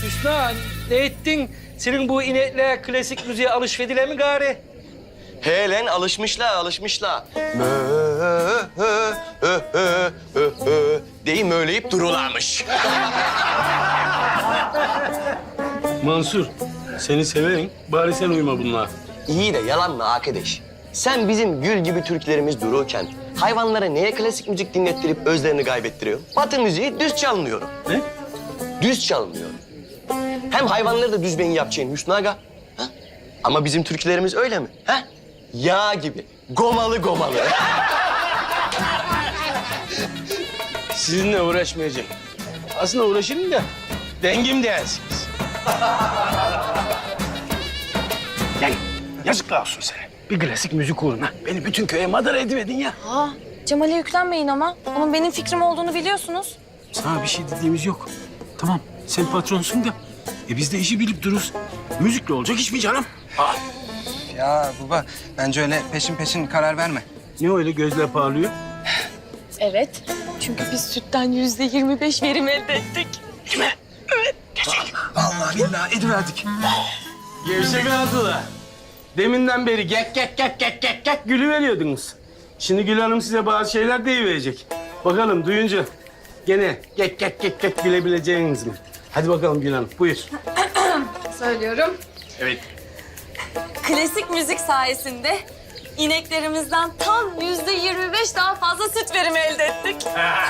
Hüsnü ne ettin? Senin bu inekle klasik müziğe alışverdile mi gari? He lan alışmışlar. Deyim möyleyip durularmış. Mansur, seni severim. Bari sen uyma bunlara. İyi de yalan mı arkadaş? Sen bizim gül gibi Türklerimiz dururken hayvanlara neye klasik müzik dinlettirip özlerini kaybettiriyor? Batı müziği düz çalmıyor. Ne? Düz çalmıyor. Hem hayvanları da düz beyin yapacaksın Hüsnü Aga. Ha? Ama bizim Türklerimiz öyle mi? Ha? Yağ gibi. Gomalı. Sizinle uğraşmayacağım. Aslında uğraşırım da dengim değilsiniz. Yani yazıklar olsun sana. Bir klasik müzik uğruna beni bütün köye madara ediverdin ya. Aa, Cemal'e yüklenmeyin ama. Onun benim fikrim olduğunu biliyorsunuz. Sana bir şey dediğimiz yok. Tamam, sen patronsun da. Biz de işi bilip dururuz. Müzikle olacak iş mi canım? Aa, Ya baba, bence öyle peşin karar verme. ne öyle gözler parlıyor? Evet. Çünkü biz sütten %25 verim elde ettik. Değil mi? Evet. Gerçek. Vallahi billahi ediverdik. Gevşek aldılar. Deminden beri gek gülüveriyordunuz. Şimdi Gül Hanım size bazı şeyler deyiverecek. Bakalım duyunca gene gek gülebileceğiniz mi? Hadi bakalım Gül Hanım, buyur. Söylüyorum. Evet. Klasik müzik sayesinde ineklerimizden tam %25 daha fazla süt verimi elde ettik.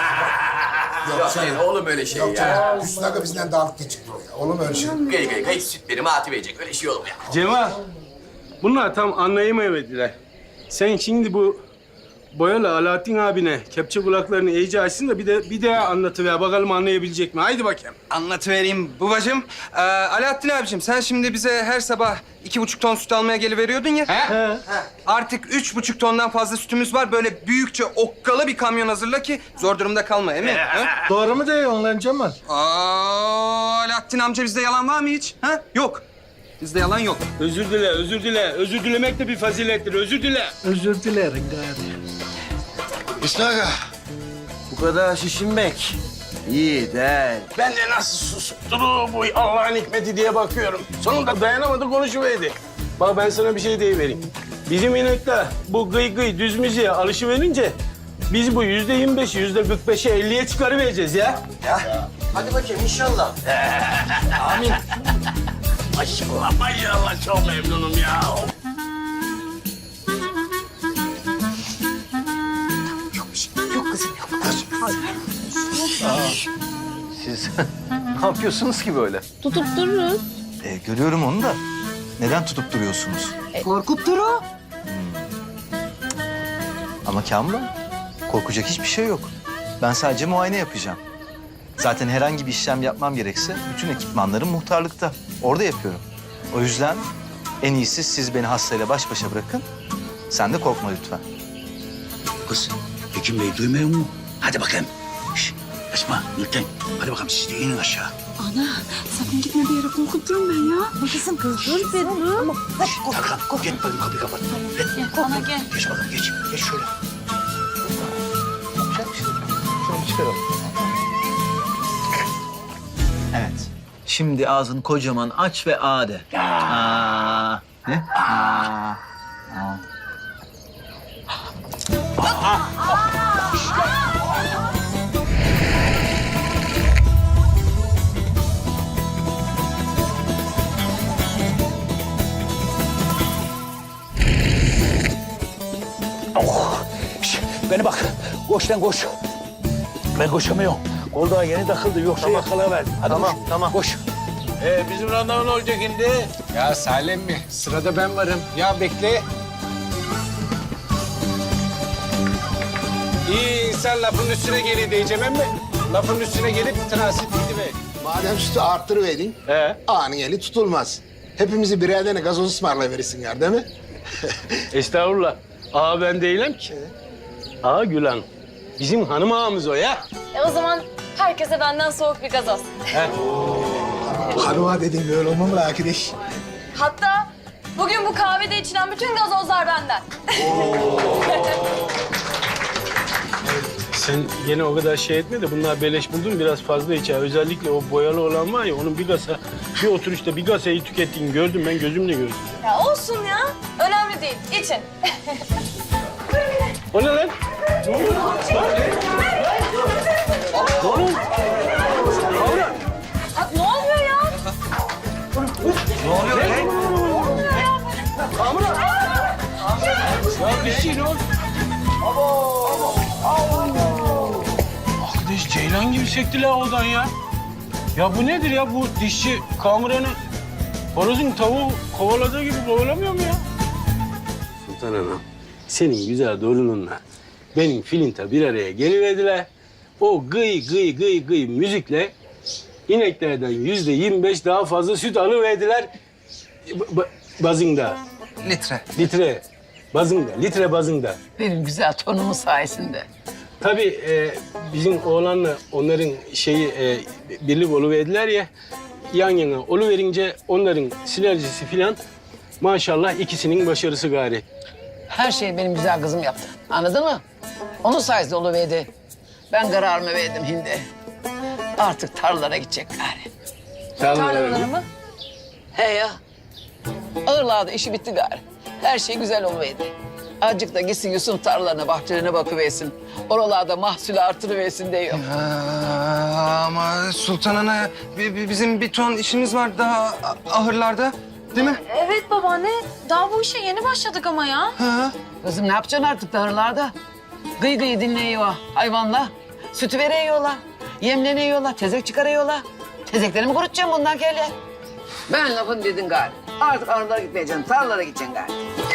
Oğlum öyle şey ya. Hüsnü Aga bizden daha haklı çıktı o ya. Olur mu öyle şey? Gayet sütlerimi atıverecek. Öyle şey olur mu ya? Cemal, bunlar tam anlayamayıverdiler. Sen şimdi bu Boyalı Alaaddin abine kepçe kulaklarını iyice açsın da bir daha anlatıver. Bakalım anlayabilecek mi? Haydi bakayım. Anlatıvereyim babacığım. Alaaddin abiciğim, sen şimdi bize her sabah 2,5 ton süt almaya geliveriyordun ya. He. Artık 3,5 tondan fazla sütümüz var. Böyle büyükçe okkalı bir kamyon hazırla ki zor durumda kalma, emin. Doğru mu diyor lan Cemal? Alaaddin amca, bizde yalan var mı hiç? Ha? Yok. Bizde yalan yok. Özür dile. Özür dilemek de bir fazilettir. Özür dile. Özür dilerim gari. Hüsnü Aga. Bu kadar şişinmek iyi değil. Ben de nasıl susup durur bu Allah'ın hikmeti diye bakıyorum. Sonunda dayanamadı konuşuverdi. Bak ben sana bir şey deyivereyim. Bizim inekler bu gıy düz müziğe alışıverince biz bu %25'i %45'e 50'ye çıkarıvereceğiz ya. Hadi bakayım inşallah. Maşallah çok memnunum ya. Siz ne yapıyorsunuz ki böyle? Tutup dururuz. Görüyorum onu da. Neden tutup duruyorsunuz? Korkup duru. Ama Kamran, korkacak hiçbir şey yok. Ben sadece muayene yapacağım. Zaten herhangi bir işlem yapmam gerekse bütün ekipmanlarım muhtarlıkta. Orada yapıyorum. O yüzden en iyisi siz beni hastayla baş başa bırakın. Sen de korkma lütfen. Kız, Hekim Bey duymuyor mu? Hadi bakayım. Şş, Esma, Nurten. Hadi bakalım siz de inin aşağı. Ana, sakın gitme bir yere korkuturum ben ya. Kızım kız dur be dur. Ama hadi Tarkan, git bakayım kapıyı kapat. Ana gel. Geç bakalım, geç. Geç şöyle. Şunu çıkaralım. Evet. Şimdi ağzını kocaman aç ve a de. Aa. Ne? Aa. Beni bak, koş lan koş. Ben koşamıyorum. Kol daha yeni takıldı, yoksa yakalayıverdim. Hadi Tamam. koş. Bizim randevu ne olacak şimdi? Ya Salih mi? Sırada ben varım. Ya bekle. İyi insan lafın üstüne geliyor diyeceğim ama lafın üstüne gelip transit gidiver. Madem sütü arttırıverdin, ağanın eli tutulmaz. Hepimizi birer tane gazoz ısmarlayıverirsin ya, değil mi? Estağfurullah. Ağa ben değilim ki. Ağa Gül Hanım. Bizim hanım ağamız o ya. O zaman herkese benden soğuk bir gazoz. Hanıma dedin böyle olmam mı arkadaş? Hatta bugün bu kahvede içilen bütün gazozlar benden. Sen gene o kadar şey etme de bunlar beleş buldun biraz fazla iç ha. Özellikle o boyalı olan var ya onun bir oturuşta bir kasayı tükettiğini gördüm ben gözümle gördüm. Ya olsun ya. Önemli değil. İçin. O ne lan? Ne oluyor? Ne oluyor? Kavra. Bak ne oluyor ya? Ya bir şey ne oldu? Arkadaş ceylan gibi sektiler oradan ya. Ya bu nedir ya? Bu dişçi kamuranı horozun tavuğu kovaladığı gibi kovalamıyor mu ya? Sultan Hanım, senin güzel torununla benim filinta bir araya geliverdiler. O gıy gıy gıy gıy müzikle ineklerden %25 daha fazla süt alıverdiler. Bazında, Litre. litre bazında. Benim güzel tonumun sayesinde. Tabii bizim oğlanla onların birlik oluverdiler ya. Yan yana oluverince onların sinerjisi filan maşallah ikisinin başarısı gari. Her şeyi benim güzel kızım yaptı. Anladın mı? Onun sayesinde oluverdi. Ben kararımı verdim hindi. Artık tarlalara gidecek gari. Tarlaları mı? He ya. Ağırlarda işi bitti gari. Her şey güzel oluverdi. Azıcık da gitsin Yusuf'un tarlalarına, bahçelerine bakıversin. Oralarda mahsulü artırıversin diyor. Ama Sultan Ana bizim bir ton işimiz var daha ahırlarda. Değil mi? Evet babaanne. Daha bu işe yeni başladık ama ya. Kızım ne yapacaksın artık tarlalarda? Gıy gıy dinleyiyor hayvanla. Sütü veriyorlar. Yemleniyorlar, tezek çıkarıyorlar. Tezekleri mi kurutacaksın bundan kelle? Ben lafını dedin gari. Artık arılara gitmeyeceksin, tarlalara gideceksin gari.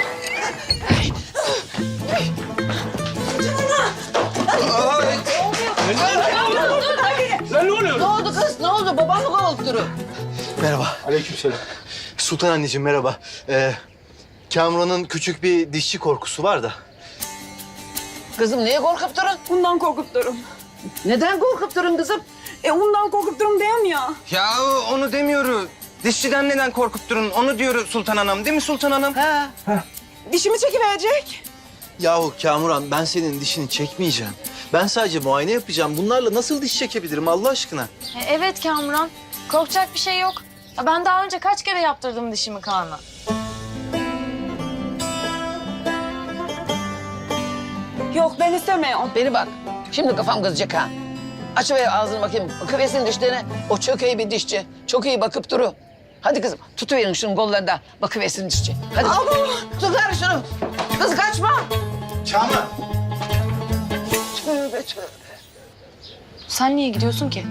Lan ne oluyor? Ne oldu kız? Ne oldu? Babam mı kovulturu? Merhaba. Aleykümselam. Sultan anneciğim merhaba. Kamuran'ın küçük bir dişçi korkusu var da. Kızım niye korkup durun? Bundan korkup durun. Neden korkup durun kızım? Ondan korkup durun diyeyim ya. Ya onu demiyorum. Dişçiden neden korkup durun? Onu diyor Sultan Anam. Değil mi Sultan Anam? Ha. Dişimi çekiverecek. Yahu Kamuran ben senin dişini çekmeyeceğim. Ben sadece muayene yapacağım. Bunlarla nasıl diş çekebilirim Allah aşkına? Evet Kamuran. Korkacak bir şey yok. Ya ben daha önce kaç kere yaptırdım dişimi Kaan'a. Yok ben istemiyorum. Beni bak. Şimdi kafam kızacak ha. Açıver ağzını bakayım. Bakıversin dişlerine. O çok iyi bir dişçi. Çok iyi bakıp duru. Hadi kızım tutuverin şunun kollarında. Bakıversin dişçi. Hadi. Tut ver şunu. Kız kaçma. Kamuran. Tövbe tövbe. Sen niye gidiyorsun ki?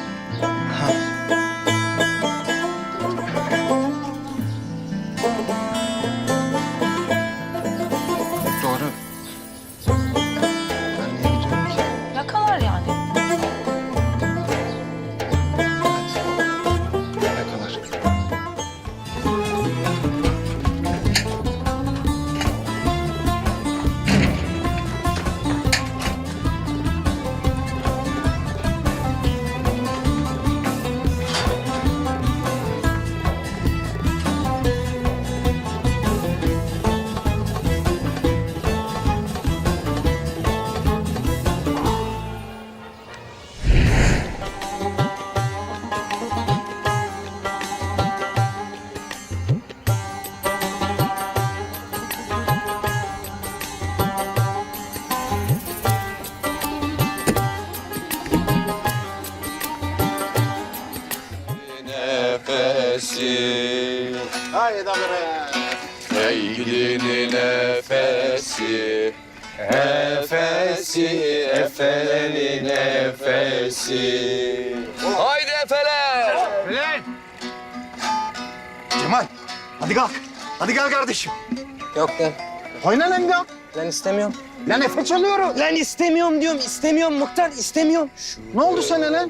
Doğru. Ben niye gidiyorum ki? Yakalar yani. Yakalar. Haydi buraya. Sevgilinin nefesi, nefesi, efelerin nefesi. Haydi efeler! Cemal hadi kalk. Hadi gel kardeşim. Yok lan. Oyna lan ya. Lan istemiyorum. Lan Efe çalıyorum. Lan istemiyorum diyorum. İstemiyorum Muhtar. istemiyorum. Ne oldu sana lan?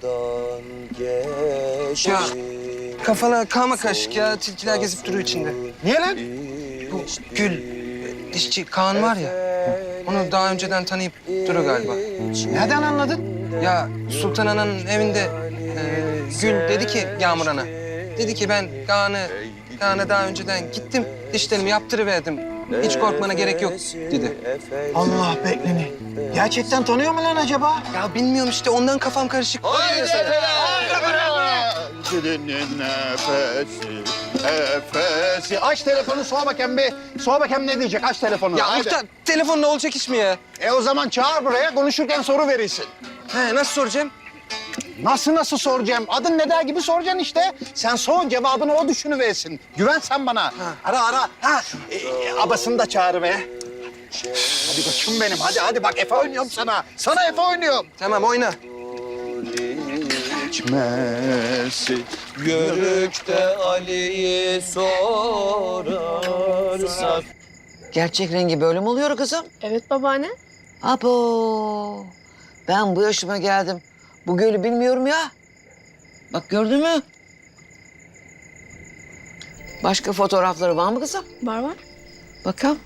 Ya kafana kalma kaşık ya. Tilkiler gezip duruyor içinde. Niye lan? Bu Gül, dişçi Kaan var ya. Onu daha önceden tanıyıp duruyor galiba. Nereden anladın? Ya Sultan Ana'nın evinde Gül dedi ki Yağmur Ana. Dedi ki ben Kaan'a daha önceden gittim. Dişlerimi yaptırıverdim. Hiç korkmana gerek yok dedi. Allah bekleni. Gerçekten tanıyor mu lan acaba? Ya bilmiyorum işte ondan kafam karışık. Nefesi. Aç telefonu sor bakayım bir. Sor bakayım ne diyecek? Aç telefonu. Ya Haydi. muhtar telefonla olacak iş mi ya? O zaman çağır buraya konuşurken soru verirsin. He nasıl soracağım? Nasıl soracağım? Adın ne der gibi soracaksın işte. Sen sor cevabını o düşünüversin. Güven sen bana. Ara. Abasını da çağır be. Hadi koçum benim. Hadi bak Efe oynuyorum sana. Sana Efe oynuyorum. Tamam oyna. Geçmesi yörükte Ali'yi sorarsak. Gerçek rengi böyle mi oluyor kızım? Evet babaanne. Abo. Ben bu yaşıma geldim. Bu gölü bilmiyorum ya. Bak gördün mü? Başka fotoğrafları var mı kızım? Var. Bakalım.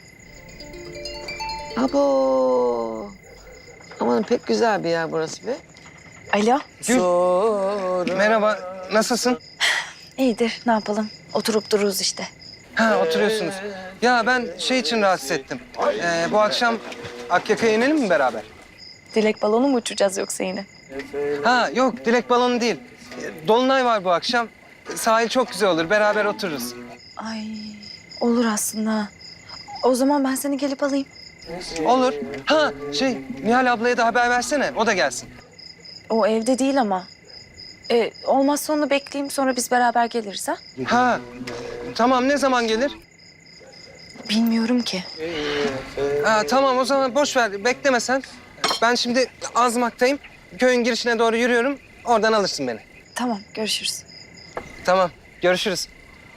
Abo. Aman pek güzel bir yer burası be. Alo. Merhaba nasılsın? İyidir ne yapalım? Oturup dururuz işte. Ha oturuyorsunuz. Ya ben şey için rahatsız ettim. Bu akşam Akyaka'ya inelim mi beraber? Dilek balonu mu uçacağız yoksa yine? Ha yok dilek balonu değil. Dolunay var bu akşam. Sahil çok güzel olur. Beraber otururuz. Ay olur aslında. O zaman ben seni gelip alayım. Olur. Ha şey Nihal ablaya da haber versene. O da gelsin. O evde değil ama. Olmazsa onu bekleyeyim sonra biz beraber geliriz ha? Ha tamam ne zaman gelir? Bilmiyorum ki. Ha, tamam o zaman boş ver. Bekleme sen. Ben şimdi Azmak'tayım. Köyün girişine doğru yürüyorum. Oradan alırsın beni. Tamam görüşürüz. Tamam. Görüşürüz.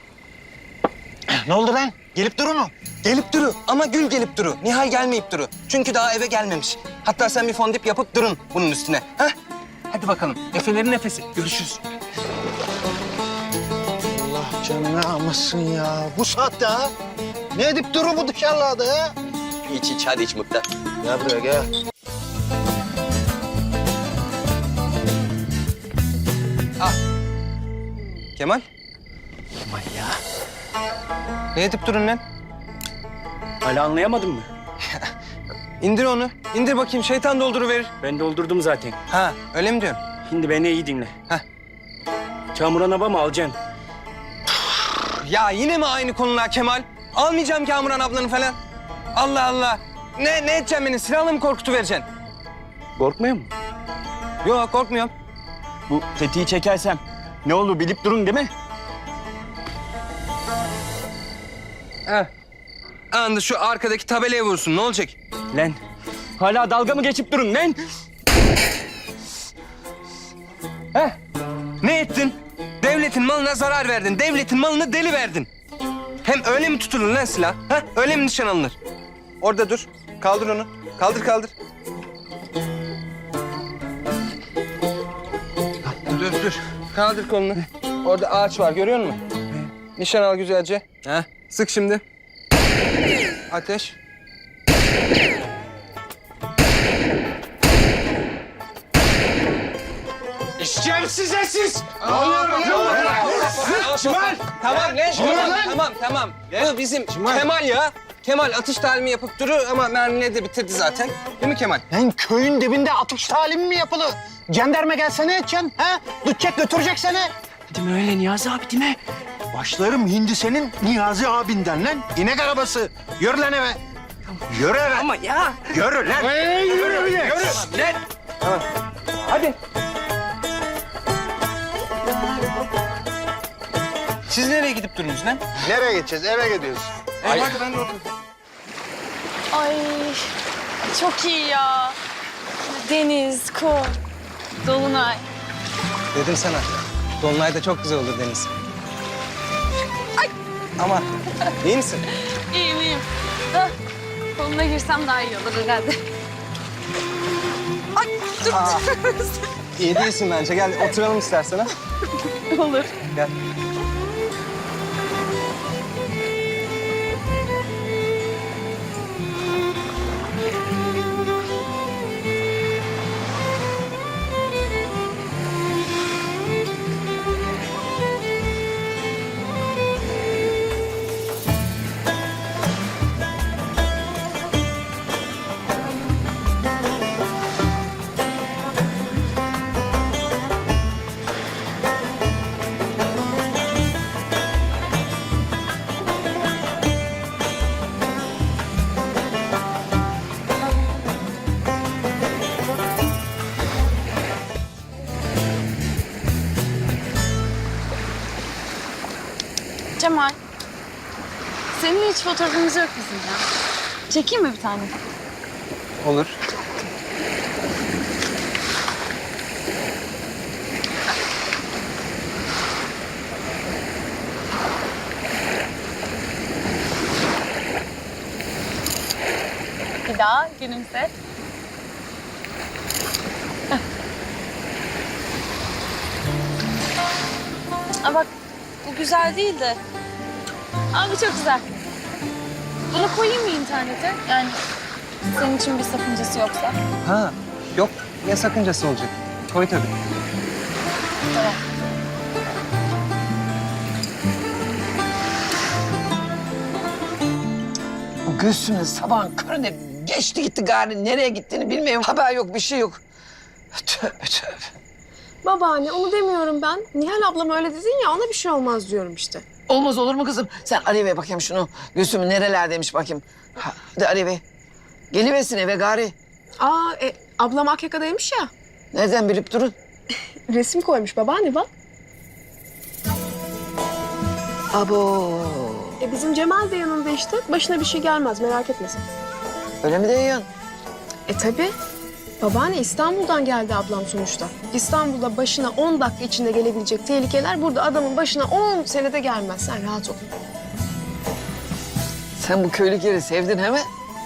Ne oldu lan? Gelip duru mu? Gelip duru ama Gül gelip duru. Nihal gelmeyip duru. Çünkü daha eve gelmemiş. Hatta sen bir fondip yapıp durun bunun üstüne. Ha? Hadi bakalım. Efelerin nefesi. Görüşürüz. Allah canını almasın ya. Bu saatte ha? Ne edip duru bu dışarılarda ha? İç hadi iç muhtar. Gel buraya gel. Kemal. Aman ya. Ne edip durun lan? Hala anlayamadın mı? İndir onu. İndir bakayım. Şeytan dolduruverir. Ben doldurdum zaten. Ha öyle mi diyorsun? Şimdi beni iyi dinle. Heh. Kamuran abla mı alacaksın? Ya yine mi aynı konular Kemal? Almayacağım Kamuran ablanı falan. Allah Allah. Ne edeceksin beni? Silahla mı korkutuvereceksin? Korkmuyor musun? Yok korkmuyorum. Bu tetiği çekersem ne olur bilip durun değil mi? Heh. Anında şu arkadaki tabelaya vursun. Ne olacak? Lan hala dalga mı geçip durun lan? Heh. Ne ettin? Devletin malına zarar verdin. Devletin malını deli verdin. Hem öyle mi tutulur lan silah? Ha? Öyle mi nişan alınır? Orada dur. Kaldır onu. Kaldır. Dur. Kaldır kolunu. Orada ağaç var görüyor musun? Nişan al güzelce. Ha? Sık şimdi. Ateş. İşeceğim size siz! Tamam lan. Bu bizim Kemal ya. Kemal atış talimi yapıp durur ama mermileri de bitirdi zaten. Değil mi Kemal? Lan köyün dibinde atış talimi mi yapılır? Jandarma gelse ne edeceksin? Ha? Tutacak götürecek seni. Değil mi öyle Niyazi abi değil mi? Başlarım hindi senin Niyazi abinden lan. İnek arabası. Yürü lan eve. Yürü eve. Ama ya. Yürü lan. Yürü. Lan. Hadi. Siz nereye gidip durunuz lan? Nereye gideceğiz? Eve gidiyoruz. Hadi ben de oturayım. Ay çok iyi ya. Deniz, kum, dolunay. Dedim sana. Dolunay'da çok güzel olur deniz. Ama iyi misin? İyiyim. Da koluna girsem daha iyi olur herhalde. Ay dur. İyi değilsin bence. Gel oturalım istersen ha. Olur. Gel. Cemal, senin hiç fotoğrafımız yok bizim ya. Çekeyim mi bir tane? Olur. Bir daha gülümse. Aa bak, bu güzel değil de. Aa bu çok güzel. Bunu koyayım mı internete? Yani senin için bir sakıncası yoksa. Ha, yok. Ne sakıncası olacak? Koy tabii. Tamam. Bu Gülsüm'ün sabahın köründe geçti gitti gari. Nereye gittiğini bilmiyorum. Haber yok, bir şey yok. Tövbe tövbe. Babaanne onu demiyorum ben. Nihal ablam öyle dedin ya ona bir şey olmaz diyorum işte. Olmaz olur mu kızım? Sen arayıver bakayım şunu. Gülsüm'ün nerelerdeymiş bakayım. Hadi arayıver. Geliversin eve gari. Ablam Akyaka'daymış ya. Nereden bilip durun? Resim koymuş babaanne bak. Abo. Bizim Cemal de yanında işte. Başına bir şey gelmez merak etme sen. Öyle mi diyorsun? Tabii. Babaanne İstanbul'dan geldi ablam sonuçta. İstanbul'da başına 10 dakika içinde gelebilecek tehlikeler burada adamın başına 10 senede gelmez. Sen rahat ol. Sen bu köylük yeri sevdin hemen.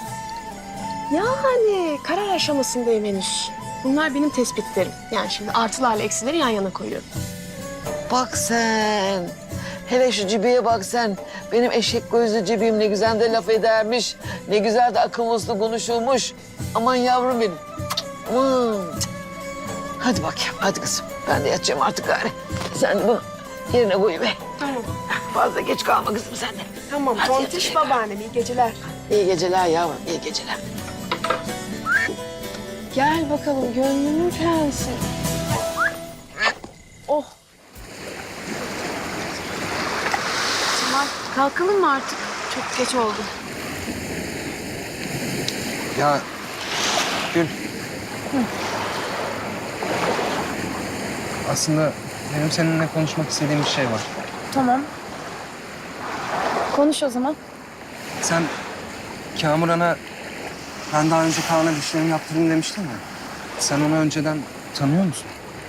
Yani karar aşamasındayım henüz. Bunlar benim tespitlerim. Yani şimdi artılarla eksileri yan yana koyuyorum. Bak sen. Hele şu Cibi'ye bak sen. Benim eşek gözlü Cibi'm ne güzel de laf edermiş. Ne güzel de akıllı uslu konuşulmuş. Aman yavrum benim. Aman. Hadi bakayım, hadi kızım. Ben de yatacağım artık gari. Sen de bunu yerine koyuver. Tamam. Fazla geç kalma kızım sen de. Tamam. Hadi Tontiş yatacağım. babaannem iyi geceler. İyi geceler yavrum, iyi geceler. Gel bakalım gönlümün prensi. Oh. Cemal kalkalım mı artık? Çok geç oldu. Ya Gül. Aslında benim seninle konuşmak istediğim bir şey var. Tamam. Konuş o zaman. Sen Kamuran'a ben daha önce Kaan'a dişlerimi yaptırdım demiştin ya. Sen onu önceden tanıyor musun?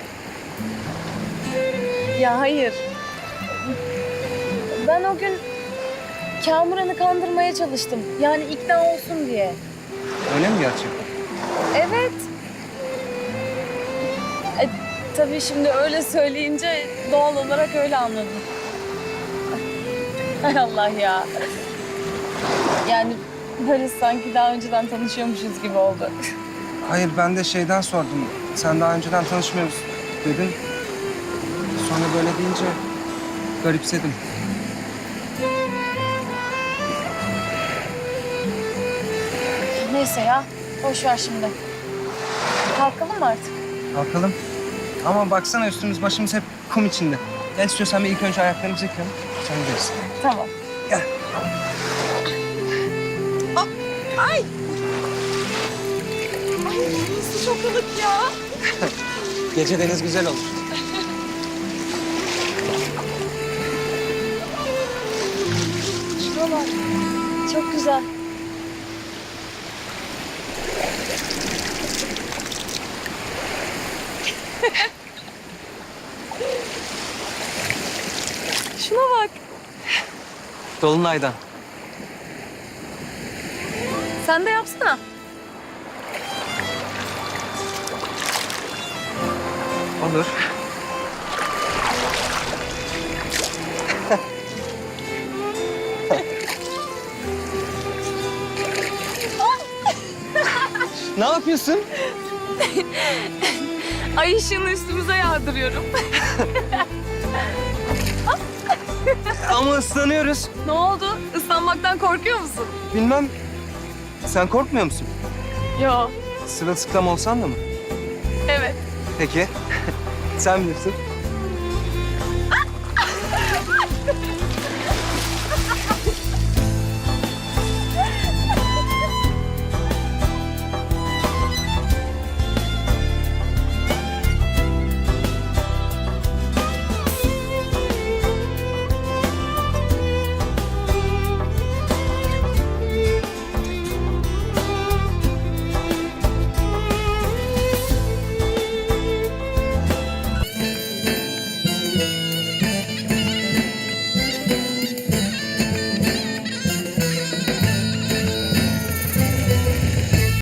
Ya hayır. Ben o gün Kamuran'ı kandırmaya çalıştım. Yani ikna olsun diye. Öyle mi gerçekten? Evet. Tabii şimdi öyle söyleyince doğal olarak öyle anladım. Hay Allah ya. Yani böyle sanki daha önceden tanışıyormuşuz gibi oldu. Hayır, ben de şeyden sordum. Sen daha önceden tanışmıyoruz dedin. Sonra böyle deyince garipsedim. Neyse ya, boş ver şimdi. Kalkalım mı artık? Kalkalım. Ama baksana üstümüz başımız hep kum içinde. Gel istiyorsan bir ilk önce ayaklarımızı yıkayalım. Sonra gideriz. Tamam. Gel. Ay nasıl çok ılık ya. Gece deniz güzel olur. Şuna bak. Çok güzel. Şuna bak. Dolunay'dan. Sen de yapsana. Olur. Ne yapıyorsun? Ay ışığını üstümüze yağdırıyorum. Ama ıslanıyoruz. Ne oldu? Islanmaktan korkuyor musun? Bilmem. Sen korkmuyor musun? Yo. Sırılsıklam olsan da mı? Evet. Peki. Sen bilirsin.